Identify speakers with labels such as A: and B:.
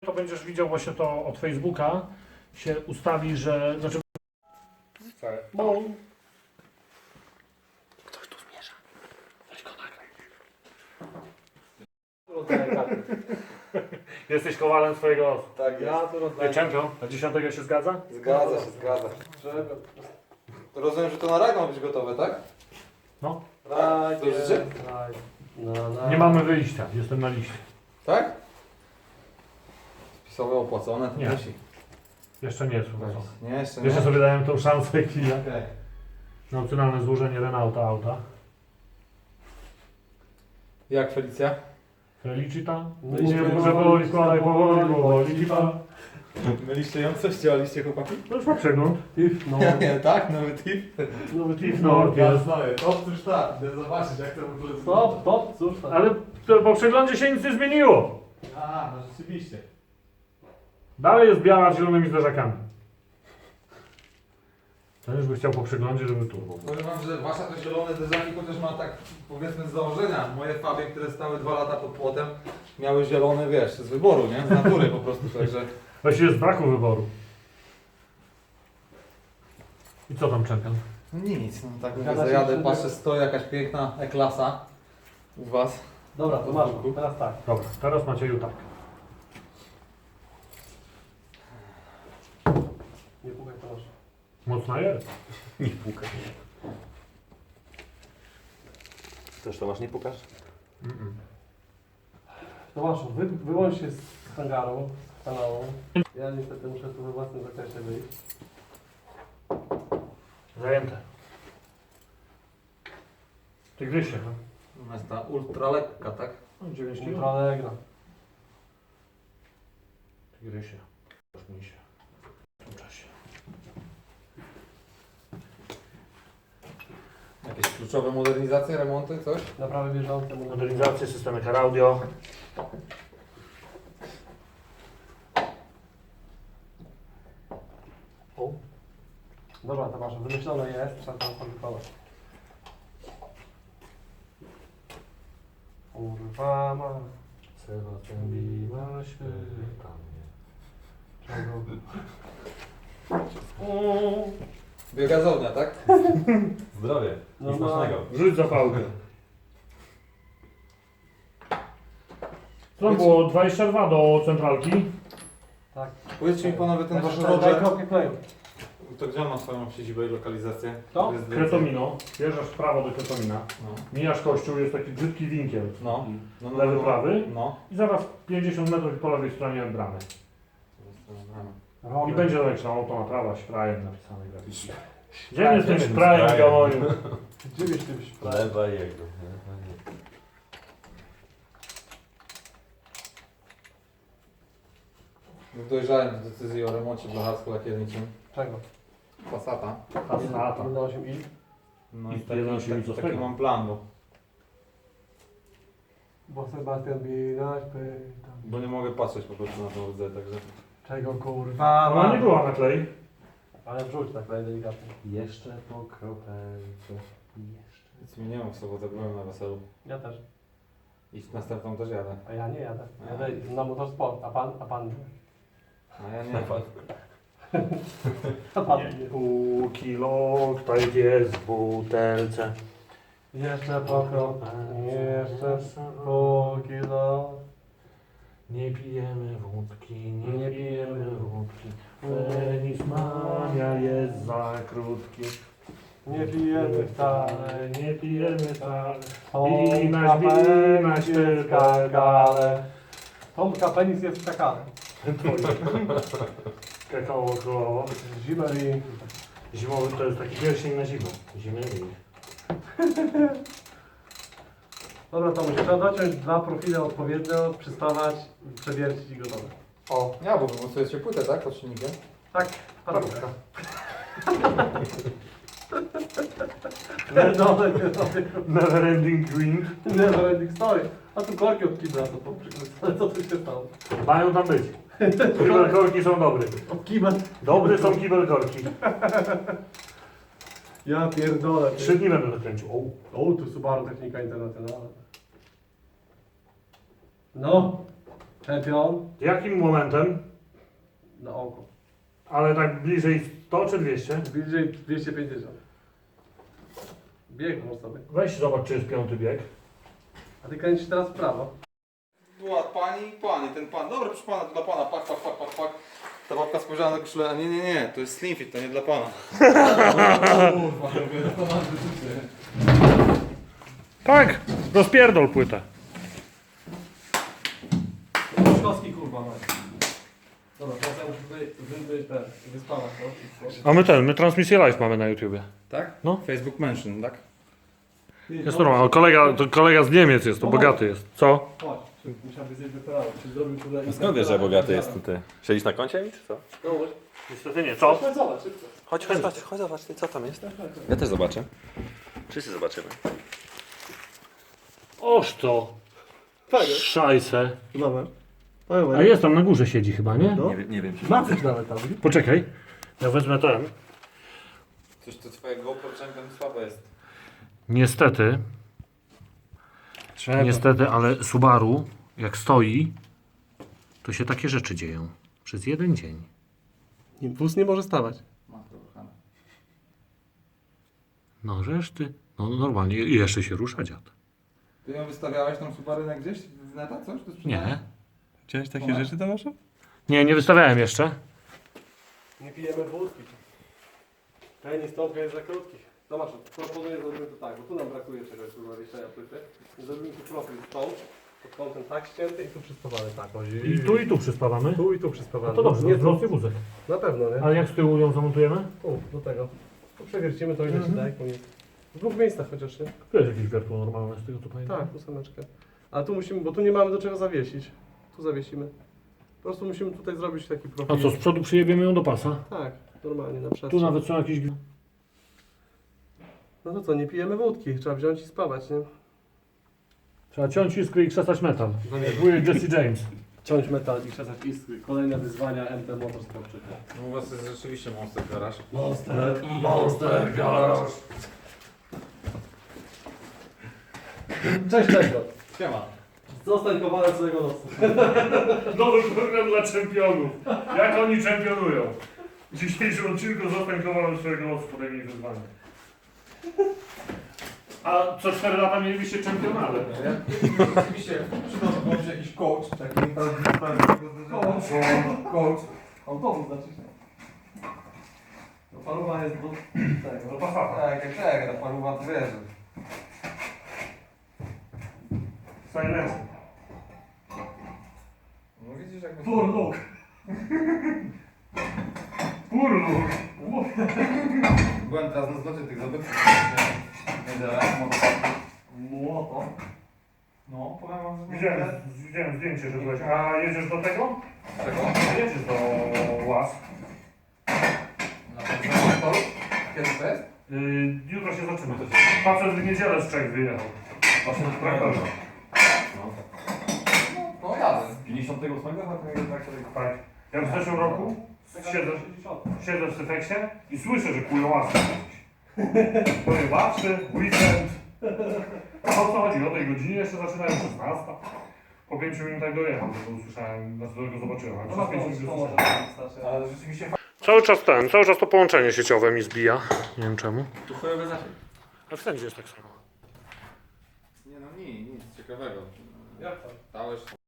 A: To będziesz widział właśnie to od Facebooka, się ustawi, że... Znaczy... Bo... Ktoś tu zmierza. Weź go nagraj. Jesteś kowalem swojego losu.
B: Tak jest.
C: Ja to rozdaję.
A: Czempion, na 10 się zgadza?
B: Zgadza się, zgadza. To rozumiem, że to na rag ma być gotowe, tak?
A: No.
B: To życzy?
A: Nie mamy wyjścia, jestem na liście.
B: Tak? Spisowe opłacone, to
A: Nie.
B: musi.
A: Jeszcze nie jest uważone.
B: Nie, jeszcze nie.
A: Jeszcze sobie dałem tą szansę chwilę.
B: Okej.
A: Na opcjonalne złożenie Renaulta auta.
B: Jak Felicja?
A: Felicita?
C: Myliśmy
A: Nie,
C: ją.
A: może powoli, składaj, powoli. Lipa.
B: Myliście ją? Coś działaliście, chłopaki?
A: To już ma przegląd.
C: Tif, no.
B: Nie, tak? Nowy tip?
C: Nowy
A: Tif,
C: tif,
A: no,
C: no.
A: jest.
B: Otóż tak, idę zobaczyć jak to w ogóle
C: Stop, stop, cóż tam.
A: Ale to po przeglądzie się nic nie zmieniło.
B: A, no rzeczywiście.
A: Dalej jest biała z zielonymi zderzakami. Ten już by chciał po przeglądzie, żeby tu było.
B: Powiem wam, że wasza to zielone derzaki chociaż ma tak, powiedzmy, z założenia. Moje Fabie, które stały 2 lata pod płotem, miały zielone, wiesz, z wyboru, nie? Z natury po prostu, także...
A: Właściwie z braku wyboru. I co tam czekam?
B: No nic, no tak mówię,
C: Zgadza się,
B: zajadę,
C: że-
B: patrzę, stoi jakaś piękna E-klasa u was.
C: Dobra, to masz. Teraz tak.
A: Dobra, teraz Macieju tak.
C: Nie pukaj, to masz.
A: Mocna jest.
D: Nie pukaj. Też to masz, nie pukasz?
C: Tomaszu, wyłącz się z hangaru, z kanału. Ja niestety muszę tu we własnym zakresie wyjść.
A: Zajęte. Tygrysie, no.
B: Ona jest ta ultra lekka, tak?
A: 9 kg.
C: Ultra Allegra.
A: Tygrysie. Rozmij się. W tym czasie.
B: Jakieś kluczowe modernizacje, remonty, coś?
C: Naprawy bieżące.
A: Modernizację, systemy car audio. O.
C: Dobra, Tomaszu, wymyślone jest, trzeba to wykonać. Kurwa ma.
A: Sebastian biła się tam nie.
C: Czego?
B: Biogazownia, tak?
D: Zdrowie.
C: No
D: Nic
C: ma-
D: smacznego.
A: Rzuć zapałkę. Co tam było? 22 do centralki.
C: Tak.
B: Powiedzcie mi panowie, ten wasz
C: Daj
B: Roger,
C: kropkę kleju.
B: to gdzie on ma swoją siedzibę i lokalizację?
C: To?
B: Jest
A: Kretomino. Wjeżdżasz w prawo do Kretomina.
B: No,
A: Mijasz kościół, jest taki brzydki winkiel.
B: no, no, no,
A: Lewy,
B: no,
A: prawy.
B: No.
A: I zaraz 50 metrów po lewej stronie bramy. I
C: Robię.
A: będzie leciał to na trawa szprajem napisane graficznie. Gdzie
D: Tak,
A: jest ten
D: gdzie ten
A: szprajem,
D: szprajem?
A: Gamoniu?
C: Gdzie byś ty byś prawie?
D: Lewa jego.
B: Dojrzałem do decyzji o remoncie blacharsko-lakierniczym
C: Czego?
B: Passata.
A: Passata.
C: 1.8i?
B: No
A: I
B: i
A: jeden się mi
B: taki
A: zostawił.
B: mam plan,
C: Bo Sebastian Binaś pyta.
B: bo nie mogę patrzeć po prostu na tą rdzę, także...
C: Czego kurwa
A: Ona
C: ma?
A: nie była na klej.
C: Ale wrzuć tak delikatnie.
D: Jeszcze po kropelce. Jeszcze.
B: Nic mi nie ma w sobotę, byłem na weselu.
C: Ja też.
B: I w następną też jadę.
C: A ja nie jadę. Jadę na motorsport. A pan nie.
B: A ja nie.
C: A pan nie.
A: Pół kilo, tutaj jest w butelce.
C: Jeszcze po kropę. Jeszcze po kilo.
A: Nie pijemy wódki,
C: Nie
A: nie
C: pijemy
A: pijemy wódki. Penis mania jest za krótki.
C: Nie pijemy wcale.
A: Nie pijemy wcale.
C: Tomka penis jest w kakale. Tomka penis jest w kakale.
A: Kakao królowo.
C: Zimmery.
A: Zimowy to jest taki pierścień na zimę. Zimny.
C: Dobra, to trzeba dociąć 2 profile odpowiednio, przystawać, przewiercić i gotowe.
A: O,
B: Ja, bo wymocujecie płytę, tak? Pod silnikiem?
C: Tak,
A: parówka.
C: Pierdolę,
A: Never ending green.
C: never ending story. A tu korki od kibla to po przykład. Co tu się stało?
A: Mają tam być. Kibelkorki są dobre.
C: Od kibla.
A: Dobre są kibelkorki.
C: Ja pierdolę.
A: 3 dni będę zakręcił.
C: O, tu Subaru Technika Internacjonalna. No. Czempion
A: Jakim momentem?
C: na oko.
A: Ale tak bliżej 100 czy 200?
C: Bliżej 250. Bieg można sobie.
A: Weź zobacz, czy jest piąty bieg.
C: A ty kręcisz teraz w prawo.
B: Była pani i pani, ten pan. Dobra, proszę pana, to dla pana, pak. Ta babka spojrzała na koszulę, a nie, to jest slim fit, to nie dla pana. Kurwa, to masz wyczucie.
A: Tak, rozpierdol płytę.
C: Szkowski kurwa ma. Dobra, teraz ja muszę tutaj wyspawać, no.
A: A my transmisję live mamy na YouTubie.
B: Tak?
A: No.
B: Facebook mention, tak?
A: Jest normalnie, to kolega z Niemiec jest, to bogaty jest. Co?
C: Chodź, musiałby zjeść wyperały. Czy zrobił tutaj...
D: Skąd wiesz, że bogaty jest tutaj? Siedzisz na koncie mi, czy co?
C: No,
A: Niestety nie, co?
C: chodź zobacz, szybko.
D: Chodź zobacz, ty, co tam jest. Ja też zobaczę. Wszyscy zobaczymy.
A: Oż to. Szajse.
C: Dobra.
A: A jest tam na górze siedzi chyba, nie?
C: No.
D: Nie wiem.
C: Ma coś nawet tam.
A: Poczekaj. Ja wezmę ten.
B: Coś to twoje GoPro Champion słabe jest.
A: Niestety, ale Subaru, jak stoi, to się takie rzeczy dzieją. Przez jeden dzień.
C: Wóz nie może stawać.
B: Ma to ruchane.
A: No reszty. No normalnie. I jeszcze się rusza dziad.
B: Ty ją wystawiałeś tą Subarynę gdzieś w neta, coś? To
A: Nie.
C: Widziałeś
B: takie rzeczy,
C: Tomaszu?
A: Nie wystawiałem jeszcze.
C: Nie pijemy wódki. Ten stąpka jest za krótki. Tomaszu, proponuję zrobimy to tak, bo tu nam brakuje czegoś do zawieszenia płyty. Zrobimy tu profil stąd, pod kątem tak ścięty i tu przyspawany tak. O,
A: I tu przyspawamy.
C: Tu i tu przyspawany.
A: No to dobrze,
C: nie
A: to wzrośnie wózek.
C: Na pewno, nie?
A: Ale jak z tyłu ją zamontujemy?
C: Tu, do tego. Tu przewiercimy to ile się da, jak koniec. W dwóch miejscach chociaż, nie?
A: Tu jest jakieś wiertło normalne z tego co pamiętam.
C: Tak, ósemeczkę. Ale tu musimy, bo tu nie mamy do czego zawiesić. Tu zawiesimy. Po prostu musimy tutaj zrobić taki profil.
A: A co, z przodu przyjebiemy ją do pasa?
C: Tak, normalnie na przestrzeń.
A: Tu nawet są jakieś...
C: No to co, nie pijemy wódki, trzeba wziąć i spawać, nie?
A: Trzeba ciąć iskry i krzesać metal. Jak wujek Jesse James.
C: Ciąć metal i krzesać iskry. Kolejne wyzwania MT Motorsport.
B: No u was jest rzeczywiście monster garaż.
C: Monster Garage. Cześć Czego.
B: Siema.
C: Zostań kowalem swojego losu.
A: Nowy program dla czempionów. Jak oni czempionują. W dzisiejszym odcinku zostań kowalem swojego losu, podejmij wyzwanie. A co 4 lata mielibyście czempionale?
B: Oczywiście przydałby się jakiś coach, taki coach.
C: Autobus znaczy się. No paruwa jest do tego.
A: Do Passata.
B: Tak, ta paruwa to wiesz.
A: Silence.
B: No widzisz jakby...
A: Furluk. Furluk.
B: Byłem teraz na zlocie tych zabytków. Niedzielę,
C: Młoto.
B: No, powiem wam, że...
A: Widziałem zdjęcie, że byłeś. A jedziesz do tego?
B: Czego?
A: Jedziesz do Łas.
B: Na pewno motoru? Kiedy to jest?
A: Jutro się zaczyna. Facet w niedzielę z Czech wyjechał. Właśnie na traktorze.
B: No jadę.
D: 58
A: Tak. Ja w zeszłym roku siedzę w Syfeksie i słyszę, że kują łasy gdzieś. Powiem łasy, weekend. A o co chodzi? O tej godzinie jeszcze zaczynają 16. Po 5 minutach dojechał, bo usłyszałem, znaczy go zobaczyłem. Ale przez 5 minut usłyszałem.
B: Ale rzeczywiście
A: Cały czas to połączenie sieciowe mi zbija. Nie wiem czemu.
B: tu chujowy zaczek.
A: A wszędzie jest tak samo.
B: Nie no nic ciekawego.
C: Jak to?
B: Dałeś